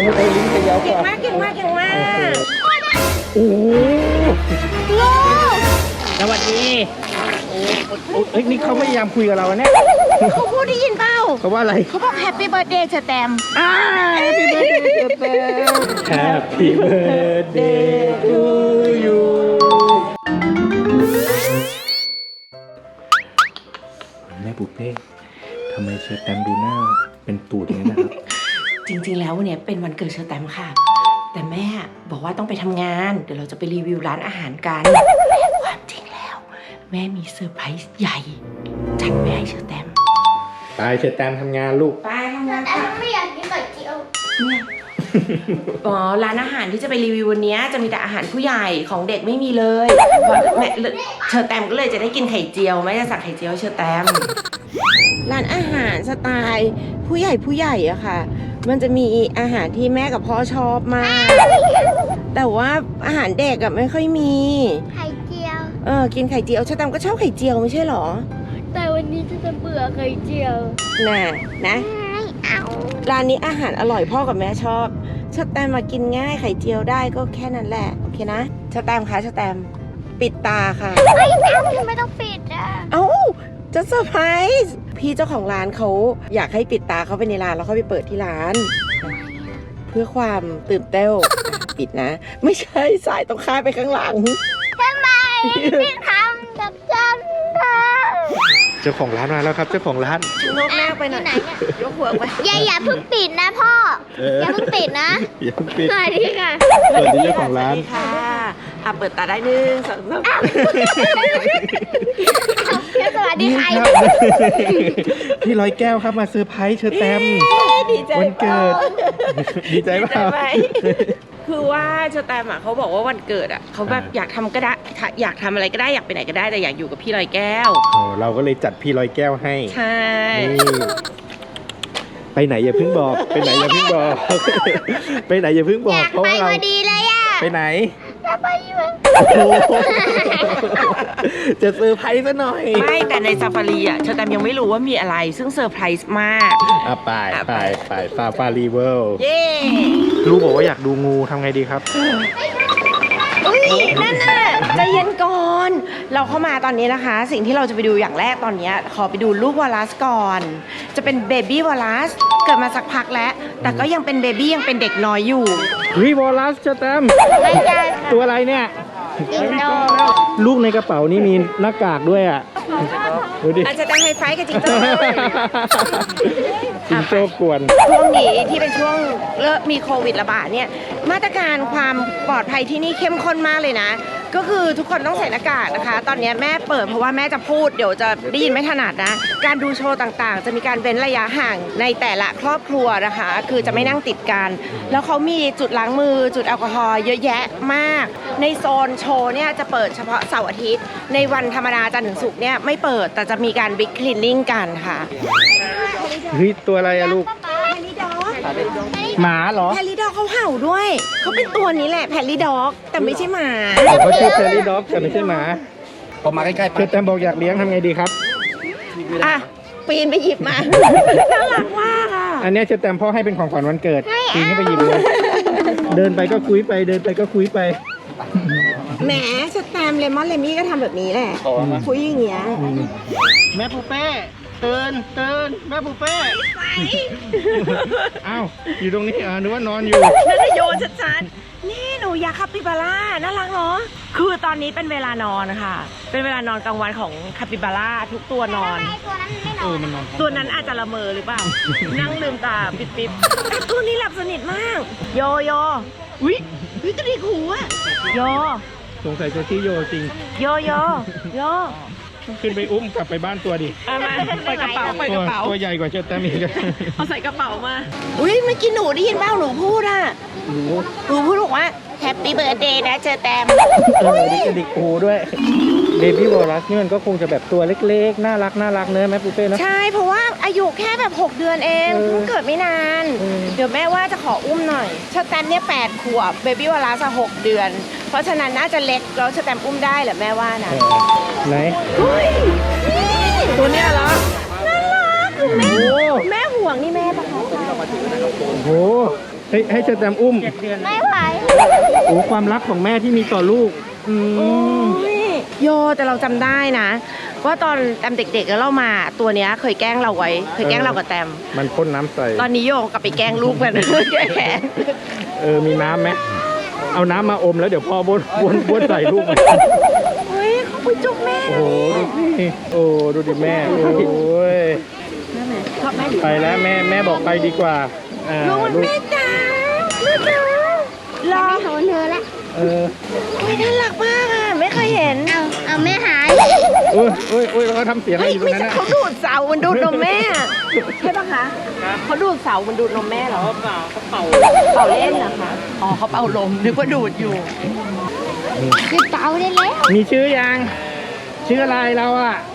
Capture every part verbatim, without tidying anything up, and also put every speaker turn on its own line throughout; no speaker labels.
ไอ้ลิ้นจะยาวก
เก่ง
ว่า
มากเก่งมากเก่งมาก
โอ้โห
ลูก
สวัสดีโอ้โหเอ้ยนี่เขาพยายามคุยกับเราเนี่ย
เขาพูดได้ยินเปล่า
เขาว่าอะไร
เขาบอกแฮปปี้เบิร์ดเดย์เชอแตม
อ่า Happy birthday to you Happy birthday to you แม่ปุ๊เป้ทำไมเชอแตมดูหน้าเป็นตูดอย่างนี้นะครับ
จริงๆแล้ววันนี้เป็นวันเกิดเชอแตมค่ะ แต่แม่บอกว่าต้องไปทำงานเดี๋ยวเราจะไปรีวิวร้านอาหารกันความจริงแล้ว แม่มีเซอร์ไพรส์ใหญ่จัดแม่ให้เชอแตม
ไปเชอแตมทำงานลูก
ไปทำงาน
แต่
ค่ะ
ไม่อยากกินไข่เจียว
เนี่ยอ๋อร้านอาหารที่จะไปรีวิววันนี้จะมีแต่อาหารผู้ใหญ่ของเด็กไม่มีเลยเพราะแม่เชอแตมก็เลยจะได้กินไข่เจียวแม่จะสั่งไข่เจียวให้เชอแตมร้านอาหารสไตล์ผู้ใหญ่ผู้ใหญ่อะค่ะ มันจะมีอาหารที่แม่กับพ่อชอบมาก แต่ว่าอาหารเด็กอะไม่ค่อยมี
ไข่เจียว
เออกินไข่เจียวเชอแตมก็ชอบไข่เจียวไม่ใช่หรอ
แต่วันนี้จะจะเบื่อไข่เจียว
น่ะนะ
ไม่เอา
ร้านนี้อาหารอร่อยพ่อกับแม่ชอบเชอแตมมากินง่ายไข่เจียวได้ก็แค่นั้นแหละโอเคนะเชอแตมคะเชอแตมปิดตาค่ะ
ไม่เอาทำไมต้องปิดอ่ะ
เอ้าจะเซอร์ไพรส์พี่เจ้าของร้านเขาอยากให้ปิดตาเขาไปในร้านแล้วเขาไปเปิดที่ร้าน เพื่อความตื่นเต้นปิดนะ ไม่ใช่สายต้องข้ามไปข้างหลัง
ทำไมพี่ทำกับฉันค่ะ
เจ้าของร้านมาแล้วครับเจ้าของร้าน
ชะโงกหน้าไปหน่อย
ที่ไหนเนี่ย
ยกหัวไป
อย่าอย่าเพิ่งปิดนะพ่อ
เออ
อ
อ
ย่าเพิ่งปิดนะ
อย่าเพิ่งปิด
สวัสดีค่ะ
เปิดที่เจ้าของร้าน
สวัสดีค่ะอ่ะเปิดตาได้หนึ่งสองสาม
สวัสดีค่ะ
ครับพี่ร้อยแก้วครับมาเซอร์ไพรส์เชอแตม
ดีใจ
วันเกิด ดีใจ
ดี
เป
ใจ
ล่า
ไหมคือว่าเชอแตมอ่ะเขาบอกว่าวันเกิดอ่ะเขาแบบ
อ่า
อยากทำก็ได้อยากทำอะไรก็ได้อยากไปไหนก็ได้แต่อยากอยู่กับพี่ลอยแก้ว
โอ้เราก็เลยจัดพี่ร้อยแก้วให้
ใช่
นี่ไปไหนอย่าเพิ่งบอก ไปไหนอย่าเพิ่งบอก ไปไหนอย่าเพิ่งบ
อ
อก
ยาก
เพราะ
ไป
ว่าเรา
พอดีเลยอ่ะ
ไปไหน
จะไปอยู่
โอ้โหจะเซอร์ไพรส์ซะหน่อย
ไม่แต่ในซาฟารีอ่ะเชอแตมยังไม่รู้ว่ามีอะไรซึ่งเซอร์ไพรส์มาก
อ่ะไปไปไปซาฟารีเวิลด์
เย้
ลูกบอกว่าอยากดูงูทำไงดีครับ
อุ้ยนั่นน่ะใจเย็นก่อน เราเข้ามาตอนนี้นะคะ สิ่งที่เราจะไปดูอย่างแรกตอนนี้ขอไปดูลูกวอลลัสก่อน จะเป็นเบบี้วอลลัสเกิดมาสักพักแล้ว แต่ก็ยังเป็นเบบี้ยังเป็นเด็กน้อยอยู่
เฮ้ยวอลลัสเชอแตม
ไม่ได้ค่ะ
ตัวอะไรเนี่ย
จิงโจ้
ลูกในกระเป๋านี่มีหน้ากากด้วยอ่ะ ดูดิ
อาจจะตั้งไฮไฟท์กับจิงโจ้
จิงโจ้กวน
ช่วงนี้ที่เป็นช่วงเริ่มมีโควิดระบาดเนี่ยมาตรการความปลอดภัยที่นี่เข้มข้นมากเลยนะ ก็คือทุกคนต้องใส่หน้ากากนะคะ ตอนนี้แม่เปิดเพราะว่าแม่จะพูดเดี๋ยวจะได้ยินไม่ถนัดนะ การดูโชว์ต่างๆ จะมีการเว้นระยะห่างในแต่ละครอบครัวนะคะ คือจะไม่นั่งติดกัน แล้วเขามีจุดล้างมือจุดแอลกอฮอล์เยอะแยะมาก ในโซนโชว์เนี่ยจะเปิดเฉพาะเสาร์อาทิตย์ ในวันธรรมดาจันทร์ถึงศุกร์เนี่ยไม่เปิดแต่จะมีการบิ๊กคลีนนิ่งกันค่ะ
เฮ้ยตัวอะไรอะลูก
แพลลี่ด็อก
หมาเหรอ
แพลลี่ด็อกเขาเห่าด้วย เขาเป็นตัวนี้แหละแพลลี่ด็อกแต่ไม่ใช่หมา
เขาชื่อเ e อรี่ด็อกแต่ไม่ใช่หมา
พอมาใกล้ๆ
เชอแตมบอกอยากเลี้ยงทำไงดีครับ
อ่ะปีนไปหยิบมา น่ารักมากอ่ะ
อันเนี้ยเชอแตมพ่อให้เป็นของขวัญวันเกิดปีนขึ้นไปหยิบเลย เดินไปก็คุยไป เดินไปก็คุยไป
แหมสแตมป์เลมอนเลมี่ก็ทำแบบนี้แหละคุยอย่างเงี้ย
แม่ปูเป้ตื่นตื่นแม่ปูเป้อ้าวอยู่ตรงนี้เหรอนึกว่านอนอยู่
นั่นโยนชัดๆนี่หนูอยากคาปิบาร่าน่ารักเนาะคือตอนนี้เป็นเวลานอนค่ะเป็นเวลานอนกลางวันของคาปิบาร่าทุกตัวนอน
ไอ้ตัวนั้นไม่น
เอ
อ
อน มันนอน
ตัวนั้นอาจจะละเมอหรือเปล่า นั่งลืมตาปิดๆแต่ตัวนี้หลับสนิทมาก โยโยอุ้ยอุ้ยกระดิกหูอะโย
สงสัยจะชื่อโยจริง
โยโยโย
ขึ้นไปอุ้มกลับไปบ้านตัวดิ
เอามาไปกระเป๋าไป
ตั
ก
ว
ระเป๋า
ตัวใหญ่กว่าเชอแตมอีก
เอาใส่กระเป๋ามา อุ้ยเมื่อกี้หนูได้ยินเปล่าหนูพูดอ่ะ
หนู
หนูพูดบอกว่าแฮปปี้เบิร์ดเดย์นะเจอแตม
เออดิกระดิกหูด้วยเบบี้วอลลัสนี่มันก็คงจะแบบตัวเล็กๆ น่ารักน่ารักเนอะแม่ปูเป้เนอะ
ใช่เพราะว่าอายุแค่แบบหกเดือนเอง
เออ
เพิ่งเกิดไม่นาน
เออ
เดี๋ยวแม่ว่าจะขออุ้มหน่อยเชอแตมเนี่ยแปดขวบเบบี้วอลลัสหกเดือน เพราะฉะนั้นน่าจะเล็กแล้วเชอแตมอุ้มได้เหรอแม่ว่านะ
เออไหน
เฮ้ยนี่
ตัวเนี้ยเหรอ
น่ารักคือแม่
โอ้
แม่ห่วงนี่แม่ปะคะ
โอ้โหเชให้ให้เชอแตมอุ้ม
ไม่ไหว
โอ้ความรักของแม่ที่มีต่อลูกอืม
โอ้ยโยแต่เราจำได้นะ ว่าตอนแตมเด็กๆแล้วเรามาตัวเนี้ยเคยแกล้งเราไว้ เคยแกล้งเรากับแตม
มันพ่นน้ำใส่
ตอนนี้โยกลับไปแกล้งลูกกัน แกล้ง
เออมีน้ำไหมเอาน้ำมาอมแล้วเดี๋ยวพ่อบ้วนบ้วนบ้วนใส่ลูกมัน
เฮ้ยเขาไปจุกแม่
โอ้โหดูสิโอ้ดูดิแม่โอ้ย
ชอบแม่หรือ
ไปแล้วแม่แม่บอกไปดีกว่าอ่า
ลูกมัน
ลูก
แม่จ๋าแม่จ๋าร
อโหนเธอละ
เออ
โอ้ยน่ารักมากอ่ะไม่เคยเห็น
เอาเอาแม่หาย
โอ้ยโอ้ยโอ้ยแล้วก็ทำเสียงอะไร
เฮ้ย
อยู่ตร
ไม่
งนั้น
ใช่
นะ
เขาดูดเสา มันดูดนมแม่ใช่ปะคะเขาดูดเสา มันดูดนมแม่เหรอเปล่าเขาเป่าเป่าเล่นเหรอคะอ๋อเขาเป่าลมนึกว่าดูดอยู่
คือเตาได้แล้ว
มีชื่อยังชื่ออะไรเราอ่ะ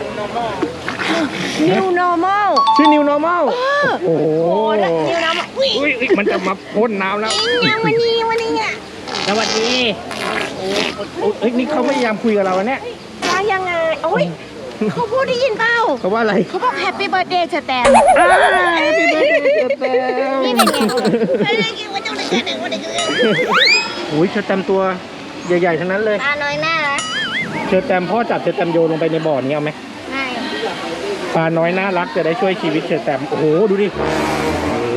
New Normal
ชื่อ New Normal โอ้โห
โอ้แล้ว New Normal อุ้ย
อุ้ยอุ๊ยมันจะมาพ่นน้ำแล้ว
ยังวันนี้วันนี้อ่ะ
สวัสดีโอ้โอ้เอ้ยนี่เขาพยายามคุยกับเราเนี่ย
ว่ายังไงโอ้ยเขาพูดได้ยินเปล่า
เขาว่าอะไร
เขาบอก Happy Birthday เชอแตม
อ้าวพี่เบิร์ดเดย์เชอแตม
นี่เป็นไง
ไม่ได้กินว่าเจ้าหน้าที่หนึ่งวันนี้คือ
โอ้ยเชอแตมตัวใหญ่ๆทั้งนั้นเลย
ตาน้อยหน้าละ
เชอแตมพ่อจับเชอแตมโยนลงไปในบ่อนี้เอาไหม
ไม่
ปลาน้อยน่ารักจะได้ช่วยชีวิตเชอแตมโอ้โหดูดิโอ้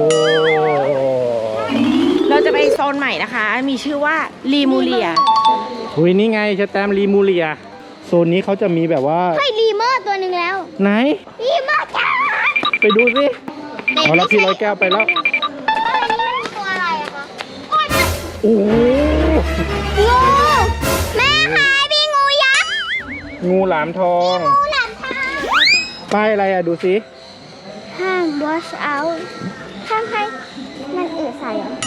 เราจะไปโซนใหม่นะคะ มีชื่อว่าลีมูเลีย
หุยนี่ไงเชอแตมรีมูเลียโซนนี้เขาจะมีแบบว่า
เฮ้ยลีเมอร์ตัวหนึ่งแล้ว
ไหน
ลีเมอร์จ้า
ไปดูสิเอาละพี่ร้อยแก้วไปแล้ว
เฮ้ยนี่มันตัวอะไรอะคะโอ้ย
โอ้โห
งูแม่หายมีงูยักษ์
งูหลามทอง
งูหลามทาง
ป้ายอะไรอ่ะดูสิ
ห้าม wash out ห้ามให้มันเอือใส่เหรอ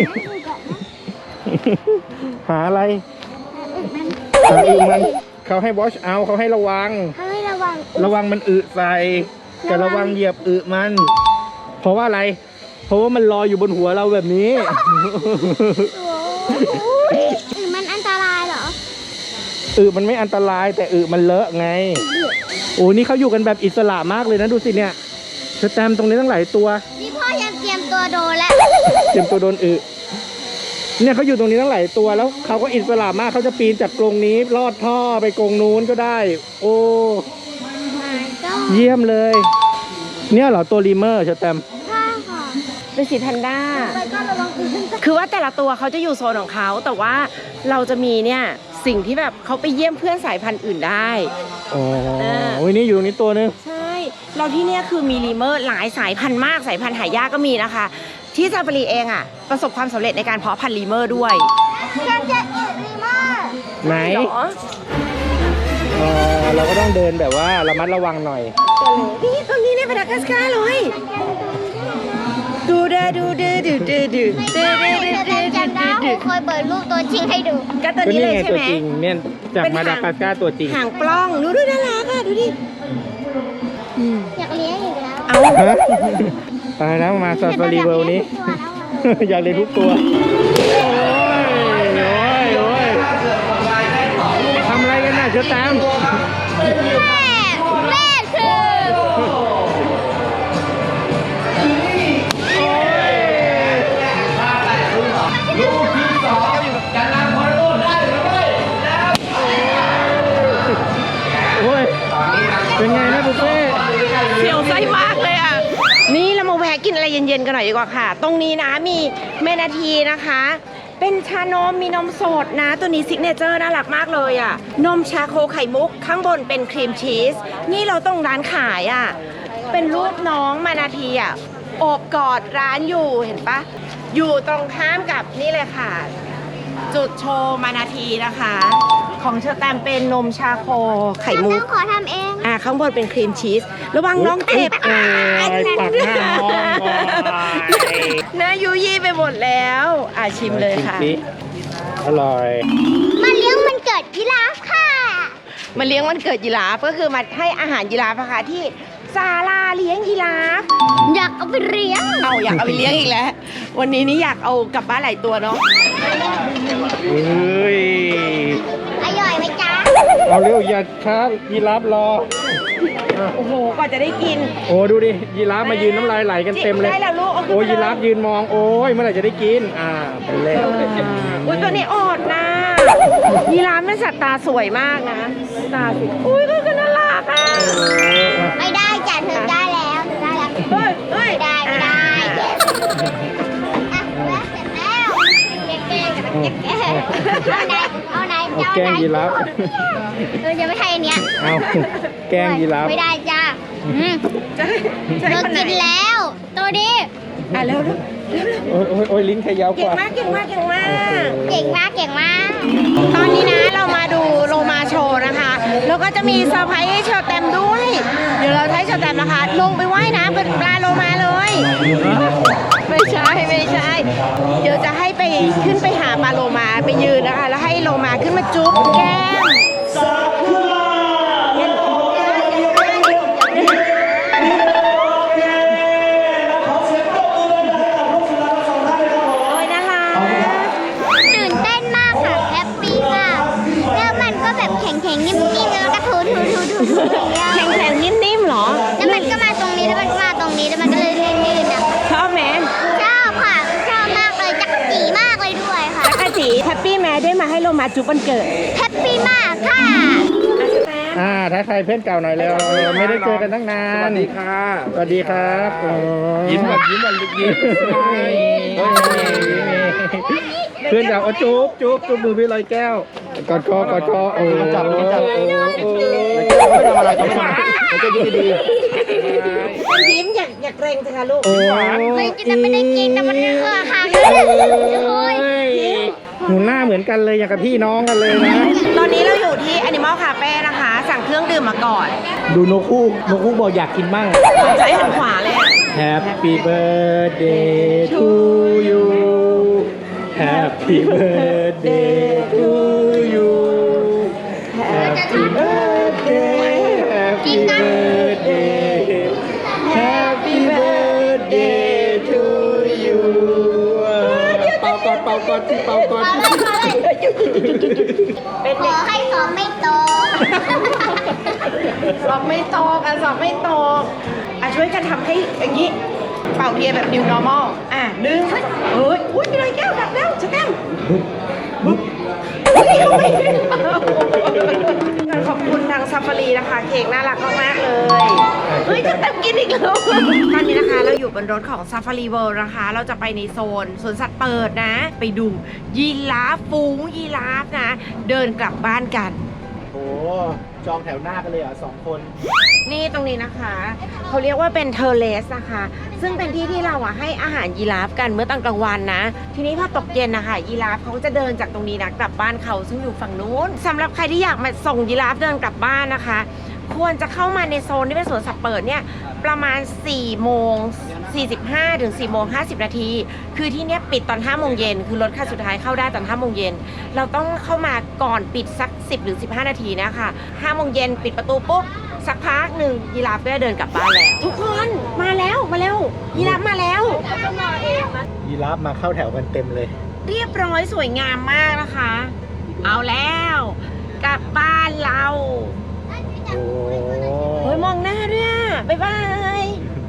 หาอะไร
อึมัน
หาอึมันเขาให้ watch out เขาให้ระวัง
เขาให้ระวัง
ระวังมันอึใส่แต่ระวังเหยียบอึมัน เพราะว่าอะไร เพราะว่ามันลอยอยู่บนหัวเราแบบนี้
อึมันอันตรายเหรอ
อึมันไม่อันตรายแต่อึมันเลอะไง โอ้นี่เขาอยู่กันแบบอิสระมากเลยนะดูสิเนี่ยสแตมป์ตรงนี้ตั้งหลายตัว
นี่พ่อยังเตรียมตัวโดนแล้ว
เตรียมตัวโดนอึเนี่ยเขาอยู่ตรงนี้ตั้งหลายตัวแล้วเขาก็อิสระมากเขาจะปีนจากกรงนี้ลอดท่อไปกรงนู้นก็ได้ โอ้เยี่ยมเลย เนี่ยเหรอตัวรีเมอร์สแตมป์
ข้าค่ะ
เป็นสีแพนด้า
ไปก็ระวังอึมันจะ
คือว่าแต่ละตัวเขาจะอยู่โซนของเขา แต่ว่าเราจะมีเนี่ยสิ่งที่แบบเขาไปเยี่ยมเพื่อนสายพันธุ์อื่นได้
อ๋อ
เออ
โอ้ยนี่อยู่ตรงนี้ตัวนึง
ใช่ เราที่เนี่ยคือมีลีเมอร์หลายสายพันธุ์มากสายพันธุ์หายากก็มีนะคะ ที่ซาฟารีเองอ่ะประสบความสำเร็จในการเพาะพันธุ์ลีเมอร์ด้วย
ฉันจะอึรีเมอร์
ไหน
เหรอ
อ๋อเราก็ต้องเดินแบบว่าระมัดระวังหน่อย
นี่ตรงนี้ในมาดากัสการ์เลยดูเดดูเดดูเดดูเด
ไม่
เด
ได้
เด
เธอจำได้ครูเคยเปิดรูปตัวจริงให้ดู
ก็ตัว
ก็
นี้
นี่
เลย
ไง
ใช่
ตัว
ไหม
จริงเนี่ยจาก
เป็น
มาดา
หาง
กัสการ์ตัวจริง
หางปล้องดูดูน่ารักอ่ะดูดิ
อยากเลี้ยงอีกแล้ว
เอา
ฮะตายแล้วมาซาฟารีเวิลด์นี้ อยากเรียนทุกตัว โอ้ย โอ้ย โอ้ยทำอะไรกันน่ะเชอแตม
แม่แม่คือ
โอ้ย เป็นไงนะบุฟเฟ่
เสียวไส้มากเลยอ่ะ นี่เรามาแวะกินอะไรเย็นๆกันหน่อยดีกว่าค่ะ ตรงนี้นะมีเมนาทีนะคะ เป็นชานมมีนมสดนะ ตัวนี้ซิกเนเจอร์น่ารักมากเลยอ่ะ นมชาโคไข่มุก ข้างบนเป็นครีมชีส นี่เราต้องร้านขายอ่ะ เป็นรูปน้องมานาทีอ่ะโอบกอดร้านอยู่เห็นปะ อยู่ตรงข้ามกับนี่เลยค่ะ จุดโชว์มานาทีนะคะ ของเชอร์แตมเป็นนมชาโคไข่มุ
ต้
ก
องขอทำเอง
อ่าข้างบนเป็นครีมชีส ระวังน้องเจ็บ
โอ้ยปักหน้าน้องก่อน
หน้ายุยี่ไปหมดแล้ว อ่าชิมเลยค่ะ
ชิมสิอร่อย
มาเลี้ยงมันเกิดยีราฟค่ะ
มาเลี้ยงวันเกิดยีราฟก็คือมาให้อาหารยีราฟนะคะที่ศาลาเลี้ยงยีราฟ
อยากเอาไปเลี้ยง
เอาอยากเอาไปเลี้ยงอีกแล้ว วันนี้นี่อยากเอากลับบ้านหลายตัวเนาะ
เฮ้ย
อร่อยไหมจ๊ะ
เอาเร็วอย่าช้ายีราฟรอ
โอ้โหกว่าจะได้กิน
โอ้ดูดิยีราฟมายืนน้ำลายไหลกันเต็มเลย
ได้แล้วลูกเอาขึ้น
โอ้
ไปเลย
ยีราฟยืนมองโอ้ยเมื่อไหร่จะได้กินอ่าไปแล้ว
อุ้ยตัวนี้อดนะยีราฟเป็นสัตว์ตาสวยมากนะ ตาสิอุ้ยก็น่ารักอ่ะ
ไม่ได้จ้ะเธอได้แล้วเธอได้แล้ว
เฮ้ยเฮ้ย
ไม่ได้ไม่ได้อ่ะแล้วเสร็จแล้วแก้ๆกับแก้ๆเอาไหนเอาไหน
เอา
เจ้า
แกล้ง
ไหน
ยีราฟ
เออจะไม่ใช่อันเนี้ย
เอาแกล้งยีราฟ
ไม่ได้จ้าอืม
จะให้จะ
เธ
ให้
อ
คนไหน
กินแล้ว ตัวนี้
อ่ะเร็วเร็วเร็วเร็ว
โอ้ยโอ้ยโอ้ยลิ้นใครยาวก
เก่ง
ว่า
มากเก่งมากเก่งมาก
เก่งมากเก่งมาก
ตอนนี้นะเรามาดูโลมาโชว์นะคะ แล้วก็จะมีเซอร์ไพรส์ให้เชอร์แตมด้วย เดี๋ยวเราจะให้เชอร์แตมนะคะ ลงไปว่ายน้ำเป็นปลาโลมาเลย ไม่ใช่ไม่ใช่ เดี๋ยวจะให้ไปขึ้นไปหาปลาโลมาไปยืนนะคะ แล้วให้โลมาขึ้นมาจุ๊บแก้มโอ้ยน่ารัก
ตื่นเต้นมากค่ะแฮปปี้มากแล้วมันก็แบบแข็งๆนิ่มๆแล้วก็ถูถูถูถูถูอย่างเงี้ย
แข็งแข็งๆนิ่มๆเหรอ
แล้วมันก็มาตรงนี้แล้วมันก็มาตรงนี้แล้วมันก็เลยลื่นๆนะ
ชอบไหม
ชอบค่ะชอบมากเลยจักรจีมากเลยด้วยค่ะ
จักรจีแฮปปี้แม้ได้มาให้โลมาจุ๊บวันเกิด
แฮปปี้มากค่ะ
อ่าทักทายเพื่อนเก่าหน่อยแล้วไม่ได้เจอกันตั้งนาน
สวัสดีค่ะ
สวัสดีครับโอ้
ยิ้มแบบยิ้มแบบยิ้ม
เพื่อนเก่าเอาจุ๊บจุ๊บจุ๊บมือพี่ลอยแก้วกอดคอกอดคอโอ้
จับจับ
โอ้โอ้
ไม่ทำอะไรเขาไม่ทำเขาจะยิ้มดี
มันยิ้มอยากอยากเกรงสิคะลูก
โอ้
เฮ้ยจะไม่ได้กินแต่มันเออค่ะโอ้ย
หนูหน้าเหมือนกันเลยอย่างกับพี่น้องกันเลยนะ
ตอนนี้เราอยู่ที่ Animal Cafe นะคะ สั่งเครื่องดื่มมาก่อน
ดูนกคู่นกคู่บอกอยากกินมั่ง
ใช้หันขวาเลยอะ
Happy birthday to you Happy birthday to you Happy birthday Happy birthday Happy birthday to you เป่าก่อนเป่าก่อนที่เป่าก่อน
เป็น
ข
เด็
อก ให้สอบไม่ตก
สอบไม่ตกอ่ะสอบไม่ตกอ่ะช่วยกันทำให้อย่างนี้ เป่าเทียนแบบ new normal อ่ะหนึ่งเฮ้ยอุ้ยมีอะไรแก้วดับแล้วจะแก้มขอบคุณทางซาฟารีนะคะ เค้กน่ารักมากๆเลย เฮ้ยจะแต้มกินอีกแล้ว ตอนนี้นะคะเราอยู่บนรถของซาฟารีเวิลด์นะคะ เราจะไปในโซนสวนสัตว์เปิดนะ ไปดูยีราฟฝูงยีราฟนะ เดินกลับบ้านกัน
โอ้จองแถวหน้ากันเลยอ่ะสองคน
นี่ตรงนี้นะคะเขาเรียกว่าเป็นเทอร์เลสนะคะ ซึ่งเป็นที่ที่เราอะให้อาหารยีราฟกันเมื่อตอนกลางวันนะ ทีนี้พอตกเย็นนะคะยีราฟเขาก็จะเดินจากตรงนี้นะกลับบ้านเขาซึ่งอยู่ฝั่งนู้นสำหรับใครที่อยากมาส่งยีราฟเดินกลับบ้านนะคะ ควรจะเข้ามาในโซนที่เป็นสวนสัตว์เปิดเนี่ยประมาณสี่โมงสี่สิบห้าถึงสี่โมงห้าสิบนาทีคือที่เนี้ยปิดตอนห้าโมงเย็นคือรถคันสุดท้ายเข้าได้ตอนห้าโมงเย็นเราต้องเข้ามาก่อนปิดสักสิบหรือสิบห้านาทีนะคะห้าโมงเย็นปิดประตูปุ๊บสักพักหนึ่งยีราฟก็จะเดินกลับบ้านแล้วทุกคนมาแล้วมาแล้วยีราฟมาแล้ว
ยีราฟมาเข้าแถวกันเต็มเลย
เรียบร้อยสวยงามมากนะคะ เอาแล้วกลับบ้านเรา
โอ้
เฮ้ยมองหน้าด้วยอะบ๊ายบาย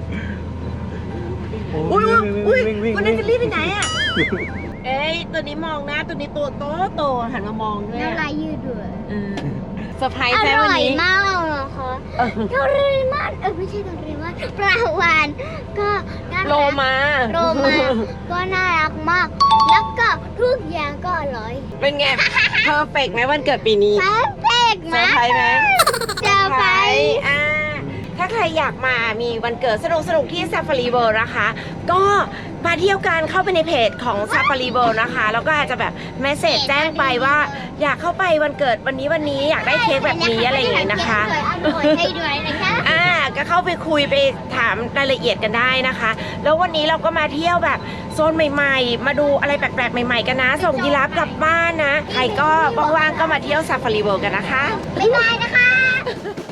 อุ้ยอุ้ยอุ้ยวันนั้นจะรีบไปไหนอ่ะ เอ้ยตัวนี้มองหน้าตัวนี้ตัวโตโตหันมามองด้วย
น้ำลายยืดด้วย
เออเซอร์ไพรส์
อ
แม่
ร่
วัน
อย
นี้
มากเลยนะคะโทริมันเออไม่ใช่โทริมันปลาวานก็น่ารัก
โลมา
โลมาก็น่ารักมาก แล้วก็ทุกอย่างก็อร่อย
เป็นไงเพอร์เฟกไหมวันเกิดปีนี้
เพอร์เฟกต์
เซอร์ไพรส์ไหม
เซอร์ไพรส์
อ่าถ้าใครอยากมามีวันเกิดสนุกสนุกๆที่ Safari World นะคะ ก็มาเที่ยวกันเข้าไปในเพจของ Safari World นะคะ แล้วก็อาจจะแบบเมสเซจแจ้งไปว่าอยากเข้าไปวันเกิดวันนี้วันนี้อยากได้เค้กแบบนี้อะไรอย่างเงี้ยนะคะ
อร่อยให้ด้วยนะคะ
อ่าก็เข้าไปคุยไปถามรายละเอียดกันได้นะคะ แล้ววันนี้เราก็มาเที่ยวแบบโซนใหม่ๆ มาดูอะไรแปลกๆ ใหม่ๆ กันนะ ส่งยีราฟกลับบ้านนะ ใครก็ว่างๆ ก็มาเที่ยว Safari World กันนะคะ
บ๊ายบายนะคะ